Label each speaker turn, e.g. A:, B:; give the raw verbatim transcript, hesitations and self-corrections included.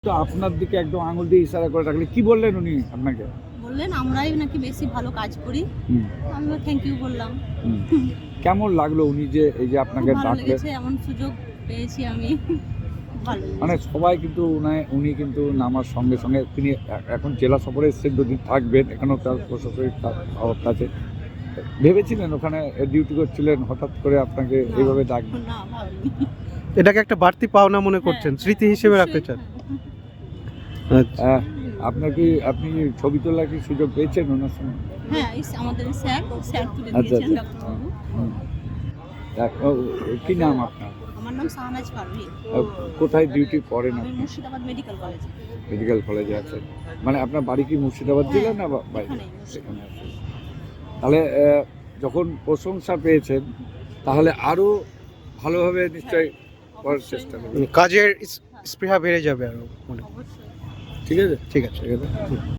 A: তো আপনার দিকে একদম আঙুল দিয়ে ইশারা করে রাখলে কি বললেন উনি আপনাকে?
B: বললেন আমরাই নাকি বেশি ভালো কাজ করি।
A: হুম,
B: আমিও থ্যাংক ইউ বললাম।
A: হুম। কেমন লাগলো উনি যে এই যে
B: খুব
A: আপনাকে
B: ভালো
A: ডাকলেন?
B: লেগেছে, এমন সুযোগ পেয়েছি আমি। ভালো
A: মানে
B: লেগেছে।
A: সবাই কিন্তু উনায় উনি কিন্তু নামার সঙ্গে সঙ্গে তিনি এ- এখন জেলা সফরে এসেছেন, দুদিন থাকবেন, এখানেও তার প্রশাসনিক কা- অভাব আছে। ভেবেছিলেন ওখানে ডিউটি করছিলেন, হঠাৎ করে আপনাকে
B: না,
A: এইভাবে ডাক?
B: না ভাবিনি।
C: এটাকে একটা বাড়তি পাওনা মনে করছেন,
B: হ্যাঁ,
C: স্মৃতি
B: হ্যাঁ,
C: হিসেবে
B: অবশ্যই,
C: রাখতে চান?
B: হ্যাঁ।
C: আচ্ছা।
A: আহ, আপনার কি আপনি ছবি তোলার কি সুযোগ পেয়েছেন ওনার সঙ্গে?
B: হ্যাঁ, এই আমাদের স্যার, স্যার তুলে
A: আচ্ছা
B: দিয়েছেন
A: আচ্ছা।
B: ডাক্তারবাবু।
A: হুম। তা- ও, কি নাম আপনার?
B: আমার নাম শাহনাজ পারভীন।
A: আহ, কোথায় ডিউটি করেন
B: আমি
A: আপনি?
B: মুর্শিদাবাদ মেডিকেল কলেজে।
A: মেডিকেল কলেজে আছেন। মানে আপনার বাড়ি কি মুর্শিদাবাদ জেলা না বা- বাইরে?
B: এখানেই, মুর্শিদাবাদ।
A: সেখানে আছেন। তাহলে আহ, যখন প্রশংসা পেয়েছেন তাহলে আরো ভালোভাবে নিশ্চয়ই করার
B: অবশ্যই,
A: চেষ্টা করবেন।
C: মানে কাজের স্পৃহা বেড়ে যাবে আরো মনে হয়।
B: অবশ্যই।
A: ঠিক আছে,
C: ঠিক আছে।
A: ঠিক আছে।